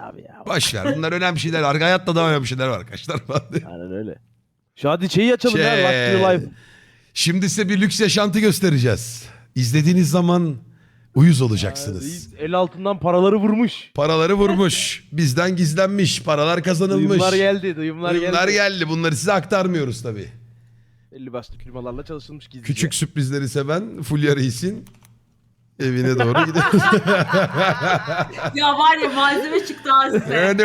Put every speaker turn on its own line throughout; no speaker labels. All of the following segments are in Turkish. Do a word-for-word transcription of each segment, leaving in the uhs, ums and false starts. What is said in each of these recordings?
abi ya.
Boş ver. Bunlar önemli şeyler var. Hayatta daha önemli şeyler var arkadaşlar.
Aynen öyle. Şu hadi şeyi açalım
Şey,
ya. Luxury Life.
Şimdi size bir lüks yaşantı göstereceğiz. İzlediğiniz zaman uyuz
Aa,
olacaksınız.
reis el altından paraları vurmuş.
Paraları vurmuş. Bizden gizlenmiş. Paralar kazanılmış.
Duyumlar geldi. Duyumlar,
Duyumlar
geldi.
geldi. Bunları size aktarmıyoruz tabii.
Belli başlı firmalarla çalışılmış gizlice.
Küçük sürprizleri seven Fulya Reis'in evine doğru gidiyoruz.
Ya var ya malzeme çıktı ha size.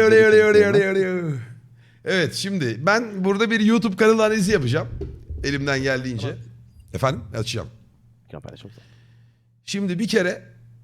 Evet, şimdi ben burada bir YouTube kanalı analizi yapacağım. Elimden geldiğince.
Tamam.
Efendim, açacağım.
Kampanya çok güzel.
Şimdi bir kere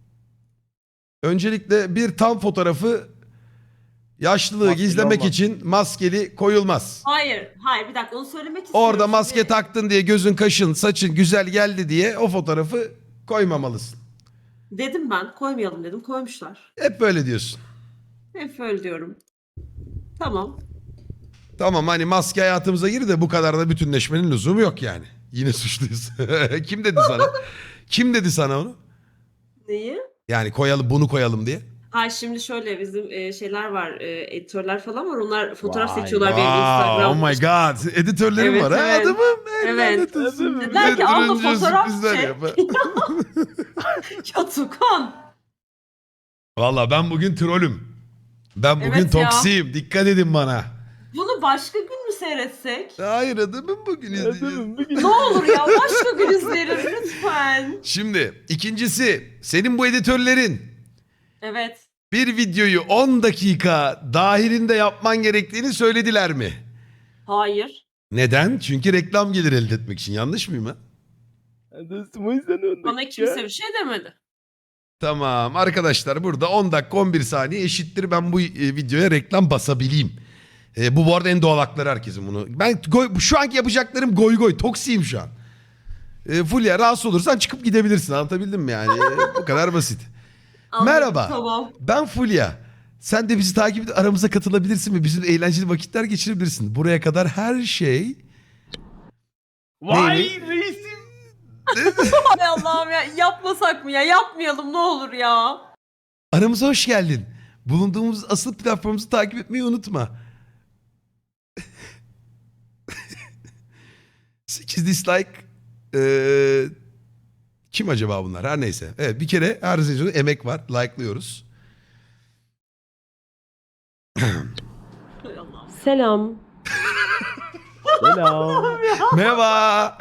öncelikle bir tam fotoğrafı yaşlılığı
Maskeli
gizlemek
olmaz.
için maskeli koyulmaz.
Hayır, hayır bir dakika onu söylemek istiyorum.
Orada maske
Şimdi-
taktın diye gözün, kaşın, saçın güzel geldi diye o fotoğrafı koymamalısın.
Dedim ben koymayalım dedim koymuşlar.
Hep böyle diyorsun.
Hep öyle diyorum. Tamam.
Tamam, hani maske hayatımıza girdi de bu kadar da bütünleşmenin lüzumu yok yani. Yine suçluyuz. Kim dedi sana? Kim dedi sana onu?
Neyi?
Yani koyalım, bunu koyalım diye.
Ha şimdi şöyle bizim e, şeyler var, e, editörler falan var. Onlar fotoğraf
Vay.
seçiyorlar benim
Wow,
Instagram.
oh my god. Editörlerim
Evet,
var ha
evet.
adamım.
Evet.
Lanet olsun.
Dediler ki, abla
Öldürünce
fotoğraf
sürprizler
çek.
yap.
Ya Tukan.
Valla ben bugün trollüm. Ben bugün
Evet ya.
toksiyim. Dikkat edin bana.
Bunu başka gün mü seyretsek?
Hayır adamım, bugün izleyeceğiz.
Adamım bugün.
Ne olur ya başka gün izleriz lütfen.
Şimdi ikincisi, senin bu editörlerin
Evet.
bir videoyu on dakika dahilinde yapman gerektiğini söylediler mi?
Hayır.
Neden? Çünkü reklam gelir elde etmek için. Yanlış mıyım ha?
Dostum o yüzden öndeki
Bana
ya.
kimse bir şey demedi.
Tamam arkadaşlar, burada on dakika on bir saniye eşittir ben bu e, videoya reklam basabileyim. E, bu bu arada en doğal hakları herkesin bunu. Ben goy, şu anki yapacaklarım goy goy, toksiyim şu an. E, Fulya rahatsız olursan çıkıp gidebilirsin, anlatabildim mi yani? E, bu kadar basit.
Anladım,
Merhaba.
Tamam.
Ben Fulya. Sen de bizi takip edip aramıza katılabilirsin ve bizimle eğlenceli vakitler geçirebilirsin. Buraya kadar her şey...
Vay
Neymiş?
reisim.
Hay Allah'ım ya yapmasak mı ya? Yapmayalım ne olur ya.
Aramıza hoş geldin. Bulunduğumuz asıl platformumuzu takip etmeyi unutma. sekiz dislike. Ee, kim acaba bunlar? Her neyse. Evet, bir kere her sezonda emek var. Like'lıyoruz.
Hay Allah'ım.
Selam.
Selam.
Merhaba.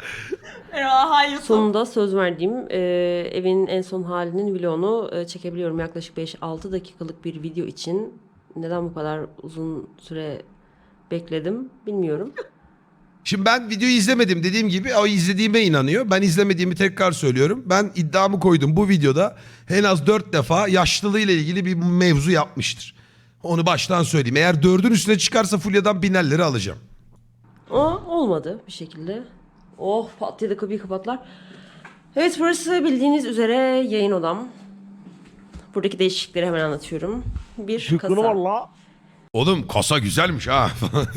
Ya hayır.
Sonunda söz verdiğim e, evin en son halinin vlogunu e, çekebiliyorum. Yaklaşık beş altı dakikalık bir video için. Neden bu kadar uzun süre bekledim bilmiyorum.
Şimdi ben videoyu izlemedim, dediğim gibi o izlediğime inanıyor. Ben izlemediğimi tekrar söylüyorum. Ben iddiamı koydum, bu videoda en az dört defa yaşlılığıyla ilgili bir mevzu yapmıştır. Onu baştan söyleyeyim. Eğer dördün üstüne çıkarsa Fulya'dan binerleri alacağım.
Ama olmadı bir şekilde. Oh pat diye de kapıyı kapatlar. Evet burası bildiğiniz üzere yayın odam. Buradaki değişiklikleri hemen anlatıyorum. Bir
Şıkkını var
kasa.
la.
Oğlum kasa güzelmiş ha.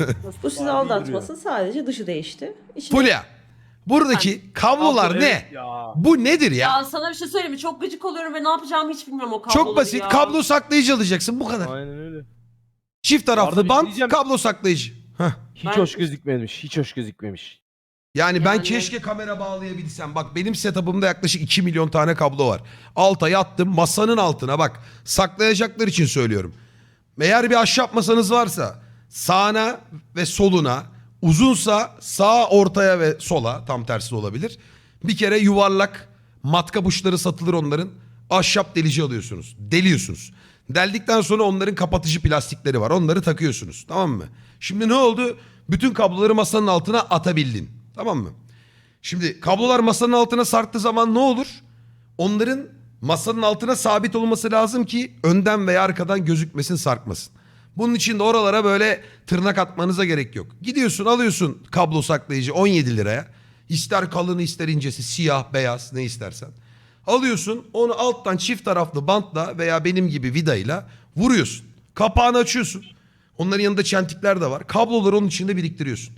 Bu sizi
Barbie
aldatmasın, sadece dışı değişti. İçine-
Fulya, buradaki kablolar
Abla,
ne?
evet ya.
Bu nedir ya?
Ya sana bir şey söyleyeyim mi? Çok gıcık oluyorum ve ne yapacağımı hiç bilmiyorum o kabloları
Çok basit.
ya.
Kablo saklayıcı alacaksın, bu kadar.
Aynen öyle.
Çift
Arada
taraflı
bir
bant,
diyeceğim.
kablo saklayıcı. Heh.
Hiç
Ben-
hoş gözükmemiş. Hiç hoş gözükmemiş.
Yani, ben
Yani-
keşke kamera bağlayabilsem. Bak benim setup'ımda yaklaşık iki milyon tane kablo var. Alta yattım, masanın altına bak. Saklayacaklar için söylüyorum. Eğer bir ahşap masanız varsa sağına ve soluna, uzunsa sağa, ortaya ve sola, tam tersi de olabilir. Bir kere yuvarlak matkap uçları satılır onların. Ahşap delici alıyorsunuz. Deliyorsunuz. Deldikten sonra onların kapatıcı plastikleri var. Onları takıyorsunuz. Tamam mı? Şimdi ne oldu? Bütün kabloları masanın altına atabildin. Tamam mı? Şimdi kablolar masanın altına sarktığı zaman ne olur? Onların masanın altına sabit olması lazım ki önden veya arkadan gözükmesin, sarkmasın. Bunun için de oralara böyle tırnak atmanıza gerek yok. Gidiyorsun, alıyorsun kablo saklayıcı on yedi liraya. İster kalını ister incesi, siyah, beyaz, ne istersen. Alıyorsun, onu alttan çift taraflı bantla veya benim gibi vidayla vuruyorsun. Kapağını açıyorsun. Onların yanında çentikler de var. Kabloları onun içinde biriktiriyorsun.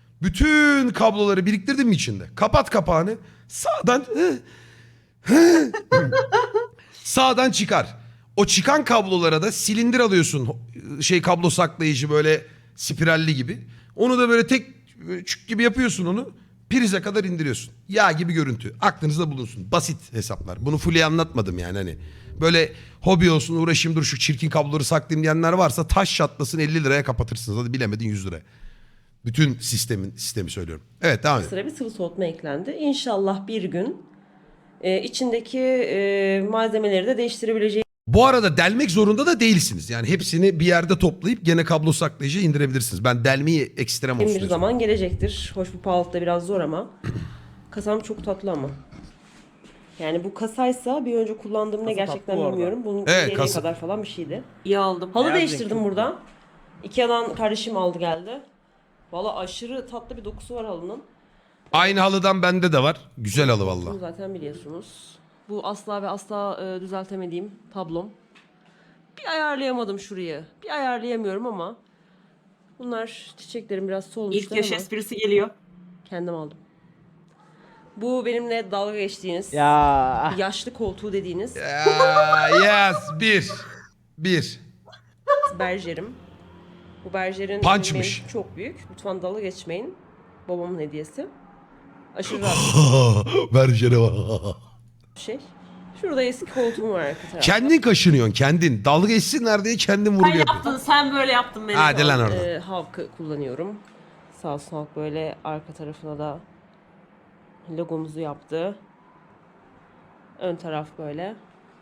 Bütün kabloları biriktirdin mi içinde? Kapat kapağını. Sağdan sağdan çıkar. O çıkan kablolara da silindir alıyorsun. Şey kablo saklayıcı böyle spiralli gibi. Onu da böyle tek çük gibi yapıyorsun onu. Prize kadar indiriyorsun. Yağ gibi görüntü. Aklınızda bulunsun. Basit hesaplar. Bunu fully anlatmadım yani hani. Böyle hobi olsun uğraşayım dur şu çirkin kabloları saklayayım diyenler varsa taş çatlasın elli liraya kapatırsınız. Hadi bilemedin yüz liraya. Bütün sistemin sistemi söylüyorum. Evet devam edin.
Sıra bir sıvı soğutma eklendi. İnşallah bir gün e, içindeki e, malzemeleri de değiştirebileceğimiz
Bu arada delmek zorunda da değilsiniz. Yani hepsini bir yerde toplayıp gene kablo saklayıcıya indirebilirsiniz. Ben delmeyi ekstrem olsun
bir
diyorsun.
zaman gelecektir. Hoş bu pahalıda biraz zor ama. Kasam çok tatlı ama. Yani bu kasaysa bir önce kullandığım ne
Kasa
gerçekten
tatlı bu arada.
bilmiyorum. Bunun
Evet,
yeleği
kasa.
kadar falan bir şeydi.
İyi aldım.
Halı
Beyaz renk
değiştirdim
çok
burada. Ikea'dan kardeşim aldı geldi. Valla aşırı tatlı bir dokusu var halının.
Aynı halıdan bende de var. Güzel halı
Bunu
valla.
zaten biliyorsunuz. Bu asla ve asla e, düzeltemediğim tablom. Bir ayarlayamadım şurayı. Bir ayarlayamıyorum ama bunlar çiçeklerim biraz solmuşlar
İlk yaş
ama
esprisi geliyor.
kendim aldım. Bu benimle dalga geçtiğiniz
Ya.
yaşlı koltuğu dediğiniz
Ya, yes. Bir. Bir.
berjerim. Bu berjerin
Punchmış.
benim çok büyük. Lütfen dalga geçmeyin. Babamın hediyesi. Aşırı rahat
Berjere var.
bir şey. Şurada eski koltuğum var arka tarafta.
Kendin kaşınıyorsun kendin. Dalga geçsinler diye kendin vurgu
Sen
yapıyorsun.
yaptın, sen böyle yaptın beni.
Hadi lan oradan.
Ee, Havk'ı kullanıyorum. Sağ olsun Havk böyle arka tarafına da logomuzu yaptı. Ön taraf böyle.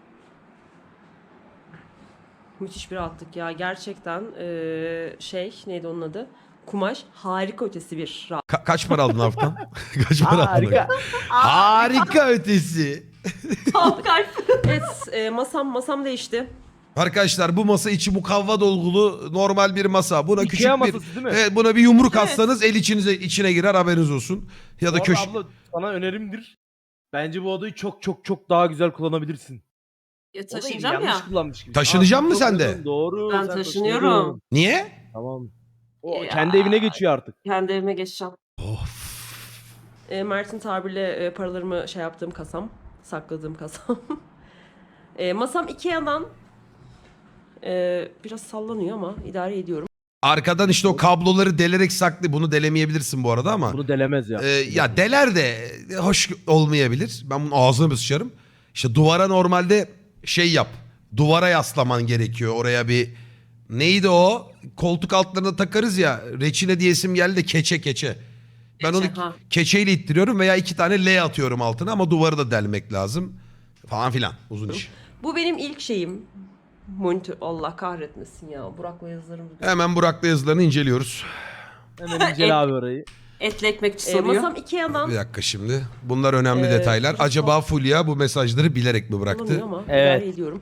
Müthiş bir rahatlık ya. Gerçekten ee, şey neydi onun adı? Kumaş harika ötesi bir rahat.
Ka- kaç para aldın haftan? Kaç para aldın?
Harika.
Harika ötesi.
Kalkar.
Evet e, masam masam değişti.
Arkadaşlar bu masa içi mukavva dolgulu normal bir masa. Buna
Ikea
küçük bir
masası değil mi?
Evet, buna bir yumruk
Evet.
atsanız el içinize içine girer haberiniz olsun. Ya
Bu
da
arada
köşe
abla sana önerimdir. Bence bu odayı çok çok çok daha güzel kullanabilirsin.
Ya
Odayı
taşıyacağım
yanlış
ya.
kullanmış gibi.
Taşınacak
Aa,
mı
çok
sen de?
uygun, Doğru.
Ben
sen
taşınıyorum.
taşınıyorsun.
Niye?
Tamam. O
Ya.
kendi evine geçiyor artık.
Kendi evime geçeceğim.
Of.
E, Mert'in tabirle e, paralarımı şey yaptığım kasam. Sakladığım kasam. e, masam Ikea'dan e, biraz sallanıyor ama idare ediyorum.
Arkadan işte o kabloları delerek saklı. Bunu delemeyebilirsin bu arada ama.
Bunu delemez ya.
Ee, ya deler de hoş olmayabilir. Ben bunun ağzını bir sıçarım. İşte duvara normalde şey yap. Duvara yaslaman gerekiyor. Oraya bir neydi o? Koltuk altlarına takarız ya. Reçine diyesim geldi de keçe keçe. Ben onu
Keçe, ha.
keçeyle ittiriyorum veya iki tane L atıyorum altına ama duvarı da delmek lazım. Falan filan. Uzun iş.
Bu benim ilk şeyim. Monitör. Allah kahretmesin ya. Burak'la yazılarım.
Hemen Burak'la yazılarını inceliyoruz.
Hemen incele abi orayı.
Etli ekmekçi
E,
soruyor.
masam Ikea'dan
Bir dakika şimdi. Bunlar önemli
Ee,
detaylar.
çok-
Acaba Fulya bu mesajları bilerek mi
sallanıyor
bıraktı?
ama
Evet.
idare ediyorum.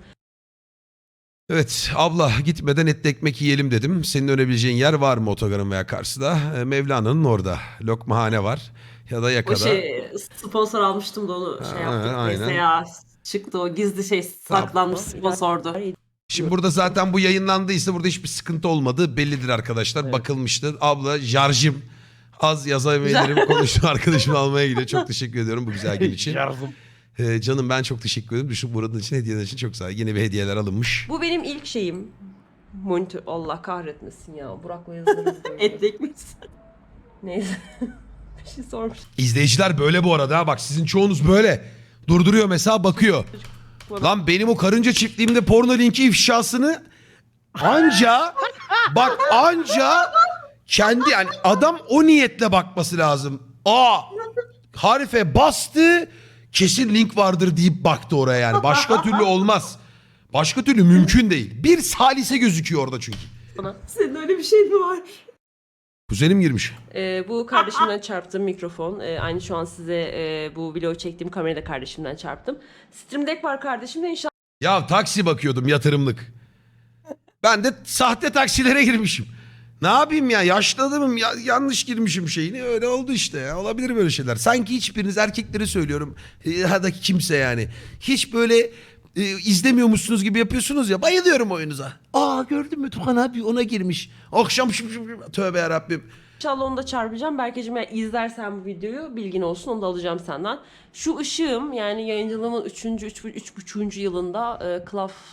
Evet abla gitmeden etli ekmek yiyelim dedim. Senin önebileceğin yer var mı otogarın veya karşıda? Ee, Mevlana'nın orada. Lokmahane var. Ya da
O
yakada.
şey sponsor almıştım da onu şey
Ha,
yaptık.
aynen.
Neyse ya. Çıktı o gizli şey saklanmış sponsordu.
İdare
Şimdi burada zaten bu yayınlandıysa burada hiçbir sıkıntı olmadığı bellidir arkadaşlar.
Evet.
Bakılmıştır. Abla jarjım az yazabilirim. Konuştum arkadaşımı almaya gidiyor. Çok teşekkür ediyorum bu güzel gün için.
Yardım.
Ee, canım ben çok teşekkür ederim. Düşün buranın için hediyeler için çok sağ ol. Yine bir hediyeler alınmış.
Bu benim ilk şeyim. Monitör. Allah kahretmesin ya. Burak'la yazılarım.
Etli ekmekçi.
Neyse. bir şey sormuş.
İzleyiciler böyle bu arada. ha. Bak sizin çoğunuz böyle. Durduruyor mesela bakıyor. Lan benim o karınca çiftliğimde porno linki ifşasını anca bak anca kendi yani adam o niyetle bakması lazım. Aa harife bastı kesin link vardır deyip baktı oraya yani. Başka türlü olmaz. Başka türlü mümkün değil. Bir salise gözüküyor orada çünkü.
Senin öyle bir şey mi var?
Kuzenim girmiş.
Ee, bu kardeşimden çarptığım mikrofon. Ee, aynı şu an size e, bu video çektiğim kamerayı da kardeşimden çarptım. Stream Deck var kardeşimde. İnşallah
Ya taksi bakıyordum yatırımlık. Ben de sahte taksilere girmişim. Ne yapayım ya yaşlı adamım ya, yanlış girmişim şeyini öyle oldu işte ya olabilir böyle şeyler. Sanki hiçbiriniz erkekleri söylüyorum e, ya da kimse yani hiç böyle e, izlemiyormuşsunuz gibi yapıyorsunuz ya bayılıyorum oyunuza. Aa gördün mü Tukan abi ona girmiş akşam şım şım şım. Tövbe yarabbim.
İnşallah onu da çarpacağım. Berkeciğim eğer izlersen bu videoyu bilgin olsun onu da alacağım senden. Şu ışığım yani yayıncılığımın üçüncü üç buçuğuncu yılında e, Klaf sağ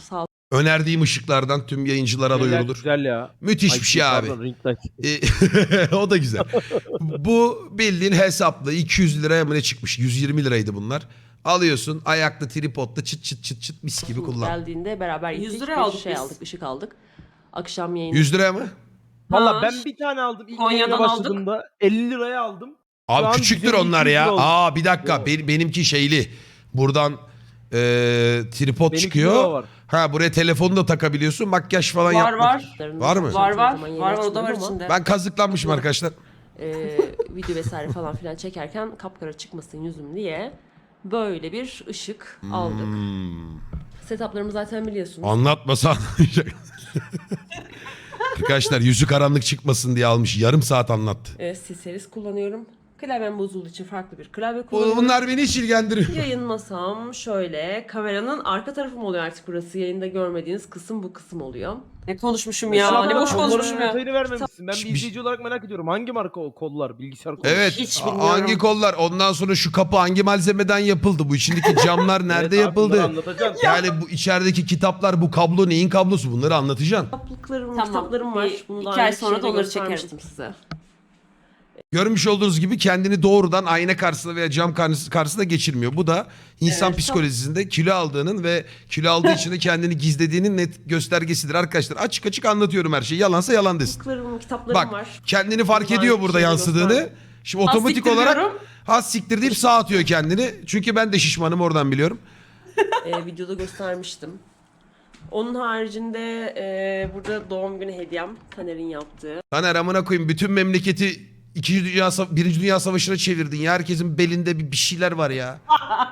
Önerdiğim ışıklardan tüm yayıncılara
Şeyler
duyurulur.
Güzel ya.
Müthiş
Ay,
bir şey abi.
pardon, ring light.
E, o da güzel. Bu bildiğin hesaplı iki yüz liraya mı ne çıkmış? yüz yirmi liraydı bunlar. Alıyorsun ayaklı tripodla çıt çıt çıt çıt mis gibi kullan.
Geldiğinde beraber gittik.
yüz liraya
bir
aldık
şey
biz.
aldık, ışık aldık. Akşam yayını.
yüz liraya mı?
Valla
Ha,
ben bir tane aldım. İlk
Konya'dan
yayına
aldık.
başladığımda elli liraya aldım. Şu
Abi
an
küçüktür
yüz elli
onlar
iki yüz
ya.
lira oldu.
Aa bir dakika
Yo.
Benim, benimki şeyli. Buradan e, tripod
Benimki
çıkıyor.
de var.
Ha buraya telefonu da takabiliyorsun. Makyaj falan
Var,
yapmak.
var.
Var mı?
Var var.
Zaman yayın
Var var o da
açmadım
var
ama,
içinde.
Ben kazıklanmışım arkadaşlar.
e, video vesaire falan filan çekerken kapkara çıkmasın yüzüm diye böyle bir ışık aldık.
Hmm.
Setuplarımı zaten biliyorsunuz.
Anlatmasa anlayacak. Arkadaşlar yüzü karanlık çıkmasın diye almış. Yarım saat anlattı.
E, C-Series kullanıyorum. Klavyem bozulduğu için farklı bir klavye
Bu-
kullanıyorum.
Bunlar beni hiç ilgilendirmiyor.
Yayın masam şöyle. Kameranın arka tarafı mı oluyor artık burası? Yayında görmediğiniz kısım bu kısım oluyor.
Ne konuşmuşum ya.
Mesela
Ne boş
kolların
konuşmuşum ya.
detayını vermemişsin. Ben bir
Bir-
izleyici olarak merak ediyorum. Hangi marka o kollar? Bilgisayar kolları.
Evet.
Hiç
a-
bilmiyorum.
Hangi kollar? Ondan sonra şu kapı hangi malzemeden yapıldı? Bu içindeki camlar nerede
Evet abi, bunları
yapıldı?
anlatacaksın.
Yani bu içerideki kitaplar, bu kablo neyin kablosu? Bunları anlatacaksın.
Kitaplıklarım,
Tamam,
kitaplarım var.
bir-
Bunu
iki
daha
ay
önce
sonra da
şeyde
onları
göstermiştim size.
Görmüş olduğunuz gibi kendini doğrudan ayna karşısında veya cam karşısı- karşısında geçirmiyor. Bu da insan
Evet.
psikolojisinde kilo aldığının ve kilo aldığı için de kendini gizlediğinin net göstergesidir arkadaşlar. Açık açık anlatıyorum her şeyi. Yalansa yalan desin.
Kitaplarım, kitaplarım
Bak
var.
kendini fark
Bunlar
ediyor burada
şeyde
yansıdığını.
gösterdim.
Şimdi otomatik
siktir
olarak
diyorum.
ha siktir deyip sağ atıyor kendini. Çünkü ben de şişmanım oradan biliyorum.
e, videoda göstermiştim. Onun haricinde e, burada doğum günü hediyem Taner'in yaptığı.
Taner amına koyayım bütün memleketi İkinci Dünya Sava- Birinci Dünya Savaşı'na çevirdin ya. Herkesin belinde bir, bir şeyler var ya.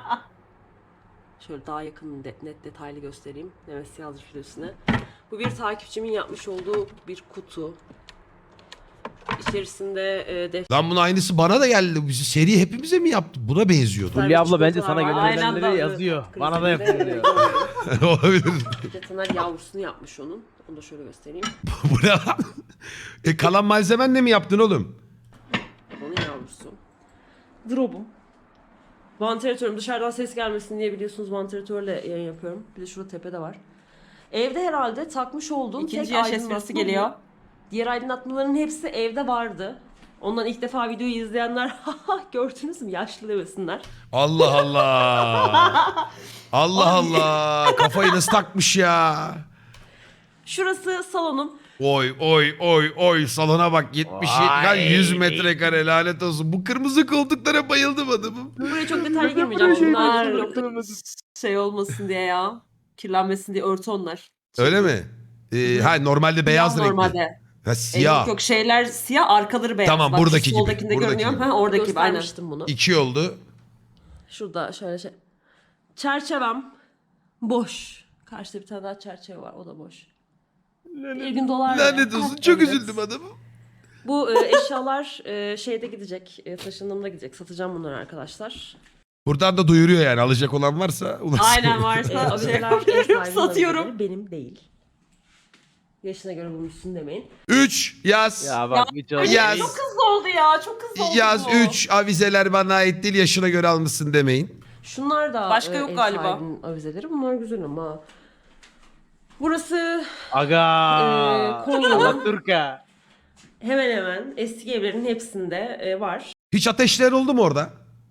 Şöyle daha yakın de- net detaylı göstereyim. Mehmet yazmış üstüne. Bu bir takipçimin yapmış olduğu bir kutu. İçerisinde e, defter.
Lan bunun aynısı bana da geldi. Bizi seri hepimize mi yaptı? Buna benziyordu.
Fulya abla bence sana
Var.
Aynen
gönderenleri
de-
yazıyor. Bana da
Krizinde,
yapıyor diyor.
e,
Olabilir.
Bir de Taner yavrusunu yapmış onun. Onu da şöyle göstereyim.
Bu ne lan? E kalan malzemenle mi yaptın oğlum?
Onun yavrusu. Drop'um. Vantilatörüm. Dışarıdan ses gelmesin diye biliyorsunuz vantilatörle yayın yapıyorum. Bir de şurada tepede var. Evde herhalde takmış olduğum
İkinci
tek
yaş
aydınlatma
esprisi
bu.
geliyor.
Diğer aydınlatmaların hepsi evde vardı. Ondan ilk defa videoyu izleyenler haha gördünüz mü yaşlı demesinler.
Allah Allah. Allah Allah. Kafayı nasıl takmış ya?
Şurası salonum.
Oy oy oy oy salona bak yetmiş
Vay.
yüz metrekare lanet olsun. Bu kırmızı koltuklara bayıldım adamım.
Buraya çok detaylı girmeyeceğim. Bunlar
Bunlar
nokta
şey olmasın diye ya. Kirlenmesin diye örtü onlar.
Öyle mi? Ee, ha normalde beyaz
Siyah
renkli.
Normalde.
Ha
E,
siyah.
Yok yok şeyler siyah arkaları beyaz.
Tamam,
Bak, şu
buradaki gibi,
soldakinde
buradaki
görünüyor.
gibi.
Ha, oradaki gibi aynen.
göstermiştim bunu.
İki oldu.
Şurada şöyle şey. Çerçevem boş. Karşıda bir tane daha çerçeve var. O da boş. Bir gün dolar.
Lanet olsun çok
Evet.
üzüldüm adamım.
Bu e, eşyalar e, şeyde gidecek. E, taşındığımda gidecek. Satacağım bunları arkadaşlar.
Buradan da duyuruyor yani alacak olan varsa ulaşsın.
Aynen
E,
varsa şey
avizeler ev sahibinin
satıyorum.
avizeleri, benim değil. Yaşına göre bulmuşsun demeyin.
Üç yaz.
Ya bak bir çok
Yaz.
Çok hızlı oldu ya. Çok hızlı oldu
Yaz
bu.
üç avizeler bana ait değil yaşına göre almışsın demeyin.
Şunlar da
Başka
e,
yok
ev
galiba.
sahibinin avizeleri. Bunlar güzel ama. Burası
Aga.
Ee, Konya'nın-
Alaturka.
hemen hemen eski evlerin hepsinde e, var.
Hiç ateşler oldu mu orada?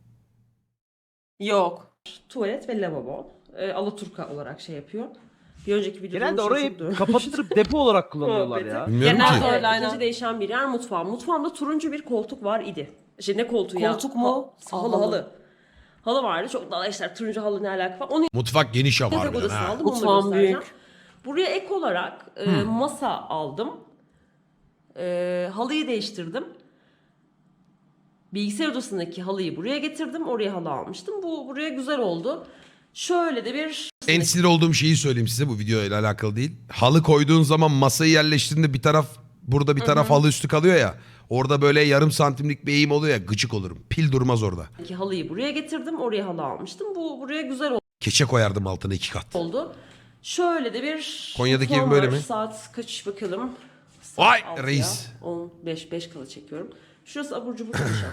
Yok.
Tuvalet ve lavabo. E, Alaturka olarak şey yapıyor. Bir önceki videoda
Genelde
bunu
orayı
çok duymuş.
kapattırıp depo olarak kullanıyorlar
Muhabbeti.
ya.
Bilmiyorum
Genelde
ki.
öyle.
Evet,
aynen.
ikinci değişen bir yer mutfağım. Mutfağımda turuncu bir koltuk var idi. Şey ne koltuğu ya?
Koltuk mu?
Ha- halı
Halı.
halı. Halı vardı. Çok daha işte turuncu halı ne alaka falan. Onu
Mutfak geniş ama
yatak
harbiden
odasına
ha.
aldım. Onu da
Mutfağım
göstereceğim.
büyük.
Buraya ek olarak e, masa aldım. E, halıyı değiştirdim. Bilgisayar odasındaki halıyı buraya getirdim. Oraya halı almıştım. Bu buraya güzel oldu. Şöyle de bir
En sinir olduğum şeyi söyleyeyim size bu video ile alakalı değil. Halı koyduğun zaman masayı yerleştirdiğinde bir taraf burada bir taraf halı üstü kalıyor ya. Orada böyle yarım santimlik bir eğim oluyor ya gıcık olurum. Pil durmaz orada.
halıyı buraya getirdim. Oraya halı almıştım. Bu buraya güzel
Keçe koyardım altına iki kat.
oldu. Şöyle de bir
Konya'daki
mutfağım
ev böyle
var.
mi?
Saat kaç bakalım. Saat
Vay
altıya,
reis.
on beş beş kala çekiyorum. Şurası abur cubur köşem.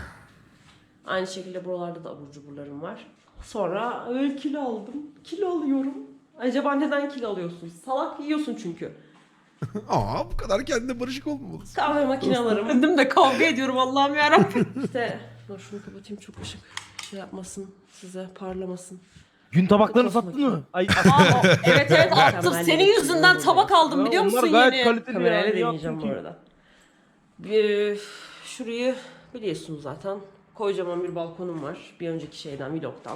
Aynı şekilde buralarda da abur cuburlarım var. Sonra öyle kilo aldım. Kilo alıyorum. Acaba neden kilo alıyorsun? Salak yiyorsun çünkü.
Aa bu kadar kendine barışık olmamalısın.
Kahve makinelerim.
Kendim de kavga ediyorum Allah'ım yarabbim.
İşte dur şunu kapatayım, çok ışık şey yapmasın, size parlamasın.
Gün tabaklarını
Çok
sattın mı? Ay,
Aa, o- evet evet attım.
Mükemmel
Senin
yemek
yüzünden
yiyorum
tabak
burada.
aldım biliyor
onlar
musun
gayet
yeni?
kaliteli
Kamerayla
ya. Niye
deneyeceğim
yaptın
bu
ki?
arada. Bir, şurayı biliyorsunuz zaten. Kocaman bir balkonum var. Bir önceki şeyden, vlogtan.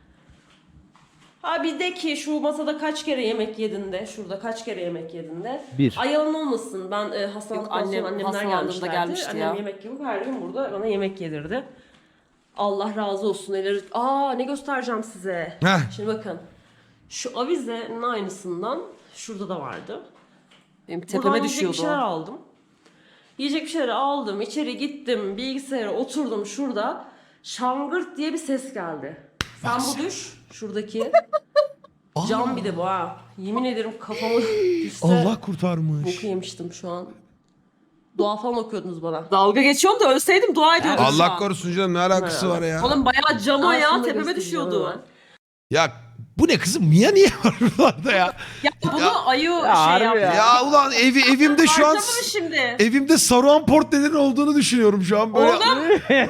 Ha bir de ki şu masada kaç kere yemek yedin de, şurada kaç kere yemek yedin de.
Bir.
Ay yalan olmasın, ben e, hastalandıktan
Yok, annem
sonra annemler
hastalandığında
gelmişlerdi.
gelmişti
Annem
ya.
yemek yapıp her gün burada bana yemek yedirdi. Allah razı olsun. Elleri... Aa ne göstereceğim size.
Heh.
Şimdi bakın. Şu avizenin aynısından şurada da vardı.
Benim
Buradan
tepeme
yiyecek bir
düşüyordu
şeyler
o.
aldım. Yiyecek bir şeyler aldım. İçeri gittim. Bilgisayara oturdum şurada. Şangırt diye bir ses geldi. Sen bu düş. Şuradaki. Cam bir de bu ha. Yemin ederim kafamı düşse
Allah kurtarmış.
boku yemiştim şu an. Dua falan okuyordunuz bana.
Dalga geçiyorum da ölseydim dua ediyordum şu
Allah
an.
korusun canım, ne alakası var ya?
Oğlum bayağı cama ya
Aslında
tepeme
göstereceğim
düşüyordu.
hemen.
Ya bu ne kızım? Mia niye var buralarda ya?
Ya bunu
Ya-
ayı
harbi
şey yaptı.
ya.
Ya ulan evi evimde şu an
Harcama mı şimdi?
evimde Saruhan portrelerinin olduğunu düşünüyorum şu an böyle.
Oğlum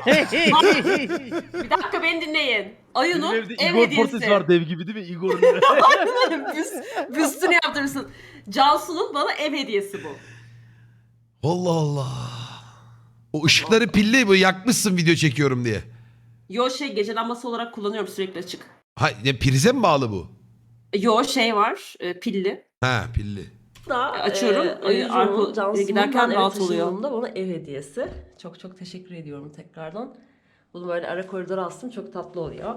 bir dakika beni dinleyin.
Benim
Ayı'nın
evde
ev
Igor
hediyesi.
portresi var dev gibi değil mi? Igor'un.
Büst, büstünü yaptırırsın. Cansu'nun bana ev hediyesi bu.
Allah Allah. O ışıkları pilli bu yakmışsın video çekiyorum diye.
Yo şey gece lambası olarak kullanıyorum sürekli açık.
Ha ne, prize mi bağlı bu?
Yo şey var e, pilli.
Ha pilli.
Da,
Açıyorum,
E,
e,
Ayıcı'nın,
arka-
Cansu'nun
giderken
ben eve
rahat oluyor.
taşındığımda bana ev hediyesi. Çok çok teşekkür ediyorum tekrardan. Bunu böyle ara koridora astım. Çok tatlı oluyor.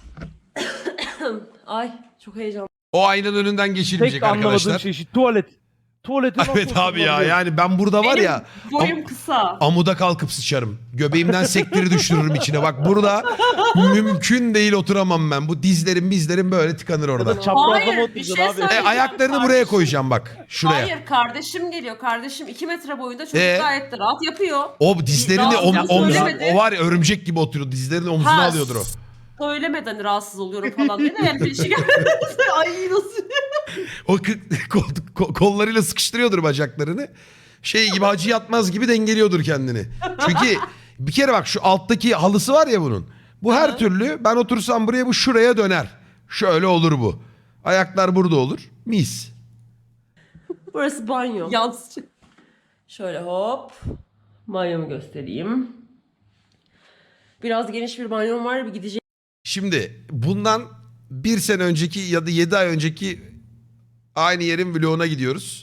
Ay çok heyecanlı.
O aynanın önünden geçilmeyecek
Tek anlamadığım
arkadaşlar.
şey şu tuvalet. Tuvalete nasıl
Evet abi ya,
oturulabiliyor?
yani ben burada var
Benim
ya
boyum
am-
kısa.
amuda kalkıp sıçarım. Göbeğimden sektiri düşürürüm içine. Bak burada mümkün değil, oturamam ben. Bu dizlerim bizlerim böyle tıkanır
Ya
orada.
da çaprazda mı
Hayır, bir
oturacaksın
şey
abi?
E,
söyleyeceğim.
ayaklarını buraya
Kardeşim.
koyacağım bak. Şuraya.
Hayır kardeşim geliyor. Kardeşim iki metre boyunda çocuk
Ee?
gayet de rahat yapıyor.
O dizlerini
Rahatsız
om,
yapsın
omzuna,
söylemedi.
o var ya örümcek gibi oturuyor. Dizlerini omzuna
Ha,
alıyordur o.
Söylemeden rahatsız oluyorum falan diye de yani bir şey gelmedi. Ay nasıl?
O kı- kol- kol- kollarıyla sıkıştırıyordur bacaklarını. Şey gibi, hacı yatmaz gibi dengeliyordur kendini. Çünkü bir kere bak şu alttaki halısı var ya bunun. Bu her türlü ben otursam buraya, bu şuraya döner. Şöyle olur bu. Ayaklar burada olur. Mis.
Burası banyo.
Yansıcı.
Şöyle hop. Banyomu göstereyim. Biraz geniş bir banyom var. Bir gideceğim
Şimdi bundan bir sene önceki ya da yedi ay önceki aynı yerin vloguna gidiyoruz.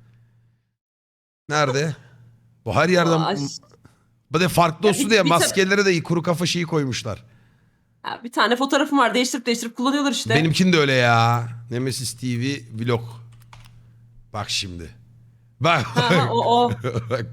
Nerede? Bu her yerden...
Ay.
Bu da farklı
Ya
olsun
bir-
diye
bir
maskelere de kuru kafa şeyi koymuşlar.
Ha, bir tane fotoğrafım var. Değiştirip değiştirip kullanıyorlar işte.
Benimkin de öyle ya. Nemesis T V vlog. Bak şimdi. Bak.
Ha, ha, o o.
Bak.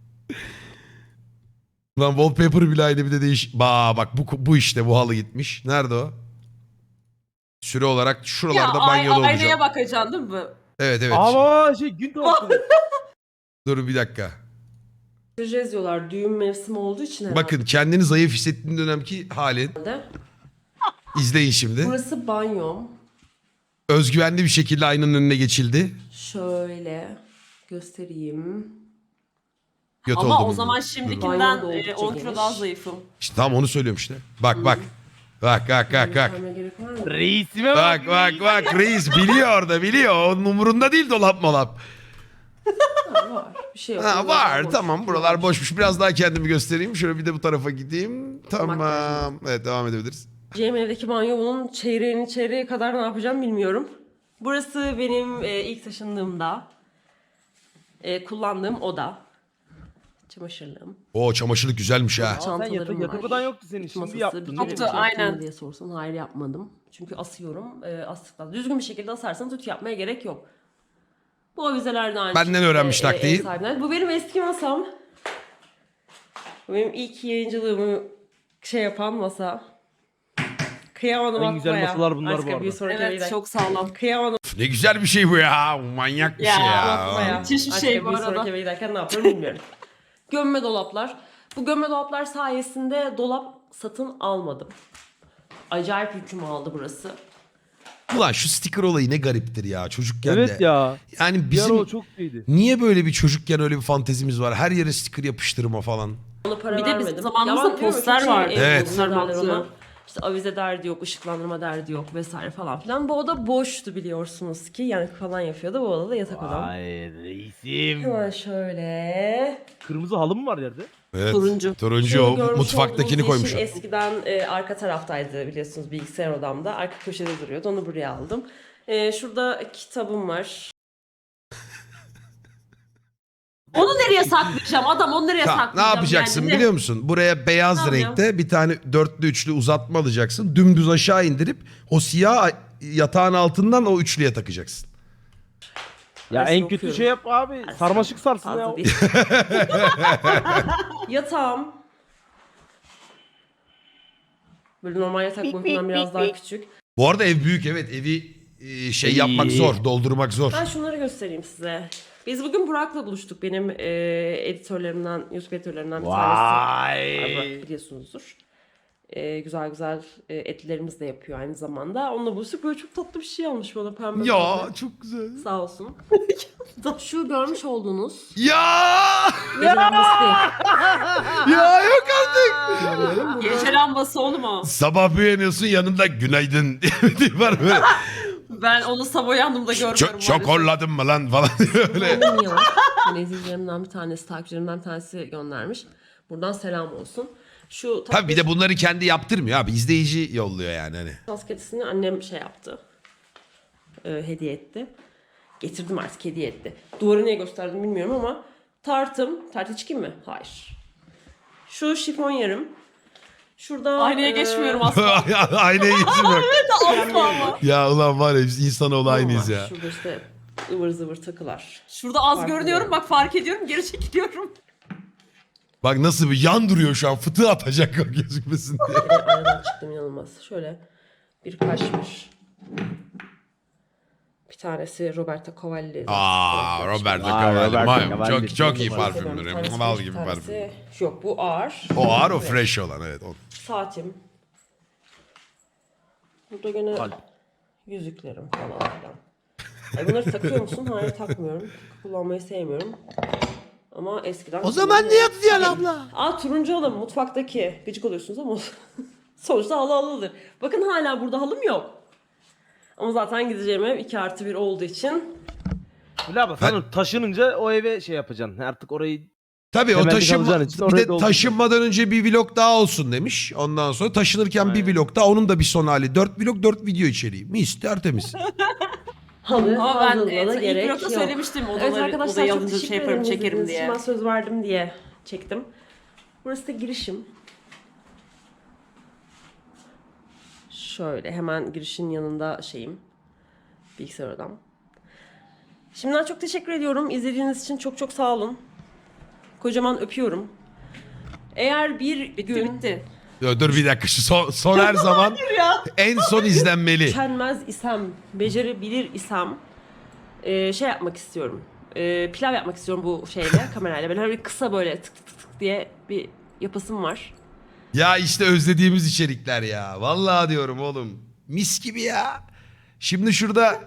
Lan wallpaper bile aynı, bir de değiş. Ba bak bu bu işte, bu halı gitmiş. Nerede o? Süre olarak
Ya
şuralarda
ay,
banyoda olacağım.
aynaya bakacaksın değil mi?
Evet evet.
Ama şey gün tabakları.
Dur bir dakika.
diyorlar. Düğün mevsimi olduğu için herhalde.
Bakın kendini zayıf hissettiğin dönemki halin. İzleyin şimdi.
Burası banyom.
Özgüvenli bir şekilde aynanın önüne geçildi.
Şöyle göstereyim.
Göt
Ama
oldum.
o zaman
Banyo
şimdikinden
da
e,
oldukça
on kilo
geniş.
daha zayıfım.
İşte tam onu söylüyorum işte. Bak bak. Bak bak bak bak.
Göstermeye gerek var mı?
Reisime
Bak bak bak reis biliyor orada, biliyor. Onun umurunda değil dolap molap.
Ha, var. Bir şey yok.
Ha,
Buralar
var
boş.
tamam, buralar boşmuş. Biraz daha kendimi göstereyim. Şöyle bir de bu tarafa gideyim. Tamam. Evet, devam edebiliriz.
Cem evdeki banyo, bunun çeyreğini çeyreğe kadar ne yapacağım bilmiyorum. Burası benim e, ilk taşındığımda e, kullandığım oda. Çamaşırlığım.
Oo, çamaşırlık güzelmiş ha.
Aa, sen
Çantalarım
yatak,
var.
yatak odan yoktu senin. Şimdi
Masası,
yaptın.
bir
değil
kere
mi?
Yoktu,
ütü yaptın mı
aynen.
diye sorsan hayır yapmadım. Çünkü asıyorum. E, astıktan düzgün bir şekilde asarsanız ütü yapmaya gerek yok. Bu avizeler de aynı
Benden
şekilde,
öğrenmiş
e,
taktiği.
ev sahibinden. Bu benim eski masam. Bu benim ilk yayıncılığımı şey yapan masa. Kıyamadım
En güzel
atmaya.
masalar bunlar bu
Başka
arada.
bir sonraki
Evet
evden.
çok sağlam.
Kıyamadım
Üf, ne güzel bir şey bu ya. Manyak bir
Ya,
şey ya.
atmaya.
Müthiş bir
Başka
şey bu
bir
arada.
sonraki eve giderken ne yaparım bilmiyorum. Gömme dolaplar. Bu gömme dolaplar sayesinde dolap satın almadım. Acayip yükümü aldı burası.
Ulan şu sticker olayı ne gariptir ya çocukken
Evet
de.
ya.
Yani
Bir ara
bizim
o çok iyiydi.
niye böyle bir çocukken öyle bir fantezimiz var? Her yere sticker yapıştırma falan.
Ona para
Bir de bizim
vermedim.
zamanımızda
Ya ben diyorum ya,
poster
çok şey
vardı.
ev
Evet.
bulunur derler
Poster
ona.
box'u.
İşte avize derdi yok, ışıklandırma derdi yok vesaire falan filan. Bu oda boştu biliyorsunuz ki. Yani falan yapıyordu. Bu odada yatak odam.
Ay reisim.
Hemen şöyle.
Kırmızı halı mı var yerde?
Evet.
Turuncu.
Turuncu
Şu
o
görmüş
mutfaktakini
olduğunuz
koymuş.
yeşil eskiden e, arka taraftaydı biliyorsunuz bilgisayar odamda. Arka köşede duruyordu. Onu buraya aldım. E, şurada kitabım var.
Onu nereye saklayacağım? Adam onu nereye
Tamam,
saklayacağım?
ne yapacaksın
yani? Ne-
biliyor musun? Buraya beyaz
Tamam ya.
renkte bir tane dörtlü üçlü uzatma alacaksın. Dümdüz aşağı indirip o siyah yatağın altından o üçlüye takacaksın.
Ya
Arasını
en kötü
okuyorum.
şey yap abi. Sarmaşık sarsın
Fazla
ya.
değil. Yatağım. Böyle normal yatak boyutundan biraz daha küçük.
Bu arada ev büyük evet. Evi e, şey
İyi.
yapmak zor. Doldurmak zor.
Ben şunları göstereyim size. Biz bugün Burak'la buluştuk. Benim e, editörlerimden, YouTube editörlerimden bir tanesi. Ay, Burak
Vay.
biliyorsunuzdur. E, güzel güzel e, etlerimiz de yapıyor aynı zamanda. Onunla buluştuk. Böyle çok tatlı bir şey almış bana pembe.
Ya
pembe.
çok güzel.
Sağ olsun. Şu görmüş olduğunuz
Ya!
gece lambası değil.
Ya yok artık.
Kullanıyorum. Burada
Gece lambası oğlum o.
Sabah uyanıyorsun yanında günaydın diye bir tip var böyle.
Ben onu sabah uyandığımda görmüyorum.
Çok çok horladın mı lan falan diyor öyle.
benim yılım. Hani izleyicilerimden bir tanesi, takipçilerimden bir tanesi göndermiş. Buradan selam olsun. Şu
Tabii bir de bunları kendi yaptırmıyor abi. İzleyici yolluyor yani hani.
maskesini annem şey yaptı. Ee, hediye etti. Getirdim artık hediye etti. Duvarı niye gösterdim bilmiyorum ama tartım. Tartı çıkayım mı? Hayır. Şu şifon yarım. Şurada
Aynaya
e,
geçmiyorum asla.
Aynaya geçirmek.
Asla ama.
Ya ulan var ya biz insanoğlu aynıyız
var.
ya.
Şurada işte ıvır zıvır takılar.
Şurada az
Farklı
görünüyorum.
yani.
Bak fark ediyorum. Geri çekiliyorum.
Bak nasıl bir yan duruyor şu an. Fıtığı atacak gözükmesin diye.
Bir de aradan çıktım inanılmaz. Şöyle bir kaşmir. Bir tanesi Roberto Cavalli.
Aa Roberto
Aa,
Cavalli.
Roberto
Vay,
Cavalli.
Çok çok iyi
Bir
parfümdür.
Bir tanesi
Mal
bir
gibi
tanesi-
parfüm.
Yok bu ağır.
O ağır o
Evet.
fresh olan evet. O.
Saatim. Burada gene
Kalp.
yüzüklerim falan filan. Ay bunları takıyor musun? Hayır takmıyorum. Kullanmayı sevmiyorum. Ama eskiden...
O zaman ne yapacaksın abla?
Aa turuncu halı mutfaktaki. Gıcık oluyorsunuz ama sonuçta halı halıdır. Bakın hala burada halım yok. Ama zaten gideceğim ev iki artı bir olduğu için
Bilal abla sen taşınınca o eve şey yapacaksın. Artık orayı
Tabii o
Temelde
taşınma,
kalacağın için
bir
orayı
de
dolduracağım.
taşınmadan önce bir vlog daha olsun demiş. Ondan sonra taşınırken bir vlog daha onun da bir son hali. Dört vlog dört video içeriği. Mis tertemiz.
halı
Ama ben
hazırlığına
evet, ilk
gerek
blokta
yok.
söylemiştim odaları,
Evet arkadaşlar
odayı
çok
alınca
teşekkür
şey yaparım
ederim
çekerim
izlediğiniz için.
diye.
Ben söz verdim diye çektim. Burası da girişim. Şöyle hemen girişin yanında şeyim. Bilgisayar odam. Şimdiden çok teşekkür ediyorum. İzlediğiniz için çok çok sağ olun. Kocaman öpüyorum. Eğer bir
Bitti
gün
bitti.
Dur, dur bir dakika şu son, son her zaman en son izlenmeli.
üşenmez isem, becerebilir isem e, şey yapmak istiyorum. E, pilav yapmak istiyorum bu şeyle, kamerayla. Böyle bir kısa böyle tık tık tık tık diye bir yapasım var.
Ya işte özlediğimiz içerikler ya. Vallahi diyorum oğlum. Mis gibi ya. Şimdi şurada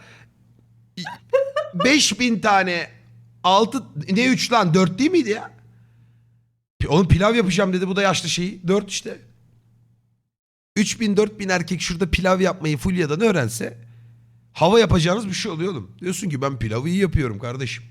beş bin tane altı ne üç lan dört değil miydi ya? Oğlum pilav yapacağım dedi bu da yaşlı şeyi. dört işte. üç bin dört bin erkek şurada pilav yapmayı Fulya'dan öğrense hava yapacağınız bir şey oluyor oğlum. Diyorsun ki ben pilavı iyi yapıyorum kardeşim.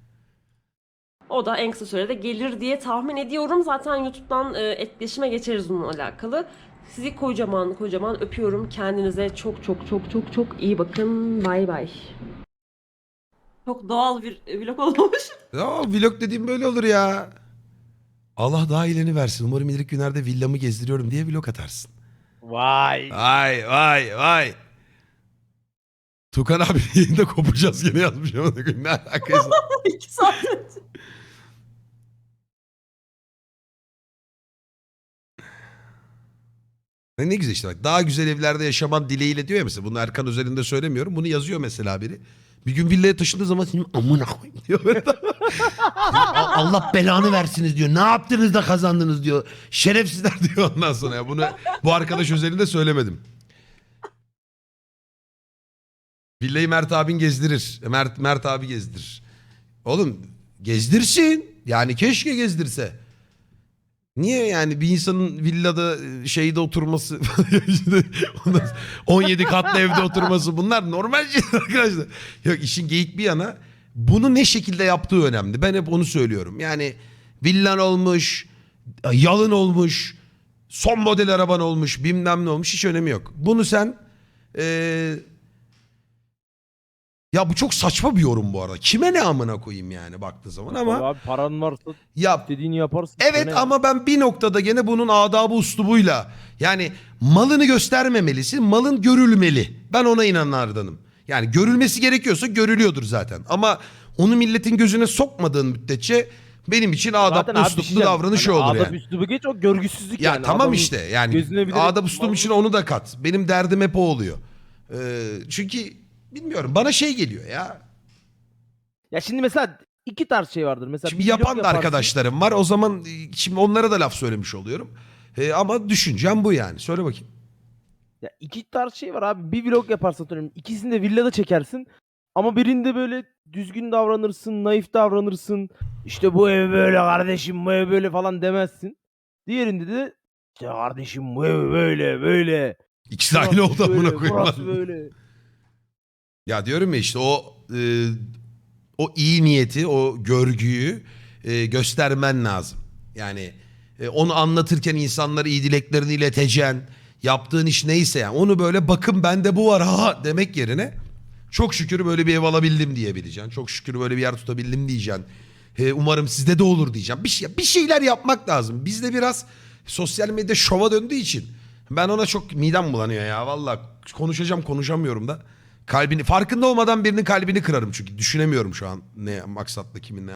O da en kısa sürede gelir diye tahmin ediyorum. Zaten YouTube'dan e, etkileşime geçeriz bununla alakalı. Sizi kocaman kocaman öpüyorum. Kendinize çok çok çok çok çok iyi bakın. Bay bay.
Çok doğal bir vlog olmuş.
Ya vlog dediğim böyle olur ya. Allah daha iyileni versin. Umarım ileriki günlerde villamı gezdiriyorum diye vlog atarsın.
vay.
Vay vay vay. Tukan abi yayında kopacağız gene yazmış ama ne alakası.
İki saat önce.
Ne ne güzel işte bak. Daha güzel evlerde yaşaman dileğiyle diyor ya mesela. Bunu Erkan özelinde söylemiyorum. Bunu yazıyor mesela biri. Bir gün villaya taşındığı zaman senin amına koyayım diyor. Allah belanı versiniz diyor. Ne yaptınız da kazandınız diyor. Şerefsizler diyor ondan sonra. Ya bunu bu arkadaş özelinde söylemedim. Villayı Mert abin gezdirir. Mert, Mert abi gezdirir. Oğlum gezdirsin. Yani keşke gezdirse. Niye yani bir insanın villada şeyde oturması, on yedi katlı evde oturması bunlar normal şeyler arkadaşlar. Yok işin geyik bir yana bunu ne şekilde yaptığı önemli. Ben hep onu söylüyorum. Yani villan olmuş, yalın olmuş, son model araban olmuş, bilmem ne olmuş hiç önemi yok. Bunu sen ee, ya bu çok saçma bir yorum bu arada. Kime ne amına koyayım yani baktığı zaman ama
Abi paran varsa
ya
istediğini yaparsın.
evet
Ne-
ama ben bir noktada gene bunun adabı uslubuyla yani malını göstermemelisin, malın görülmeli. Ben ona inananlardanım. Yani görülmesi gerekiyorsa görülüyordur zaten. Ama onu milletin gözüne sokmadığın müddetçe benim için adaplı
Zaten abi bir şey
usluplu
diyeceğim.
davranış
Hani
olur
adap
yani.
üslubu geç o görgüsüzlük
Ya
yani.
tamam
Adamın
işte yani
gözüne bir de-
adab uslum için onu da kat. Benim derdim hep o oluyor. Ee, çünkü bilmiyorum bana şey geliyor ya.
Ya şimdi mesela iki tarz şey vardır. Mesela
Şimdi
bir vlog
yapan da
yaparsın.
arkadaşlarım var. O zaman e, şimdi onlara da laf söylemiş oluyorum. Ee, ama düşüncem bu yani. Söyle bakayım.
Ya iki tarz şey var abi. Bir vlog yaparsın atıyorum. İkisini de villada çekersin. Ama birinde böyle düzgün davranırsın, naif davranırsın. İşte bu ev böyle kardeşim, bu ev böyle falan demezsin. Diğerinde de işte kardeşim bu ev böyle böyle.
İkisi de aynı oldu
Burası
amına
böyle,
koyayım.
burası böyle.
Ya diyorum ya işte o e, o iyi niyeti, o görgüyü e, göstermen lazım. Yani e, onu anlatırken insanlara iyi dileklerini ileteceksin. Yaptığın iş neyse yani onu böyle bakın bende bu var ha demek yerine çok şükür böyle bir ev alabildim diyebileceksin. Çok şükür böyle bir yer tutabildim diyeceksin. E, umarım sizde de olur diyeceğim. Bir, şey, bir şeyler yapmak lazım. Bizde biraz sosyal medya şova döndüğü için ben ona çok midem bulanıyor ya. Valla konuşacağım konuşamıyorum da. Kalbini farkında olmadan birinin kalbini kırarım çünkü düşünemiyorum şu an ne maksatla kimin ne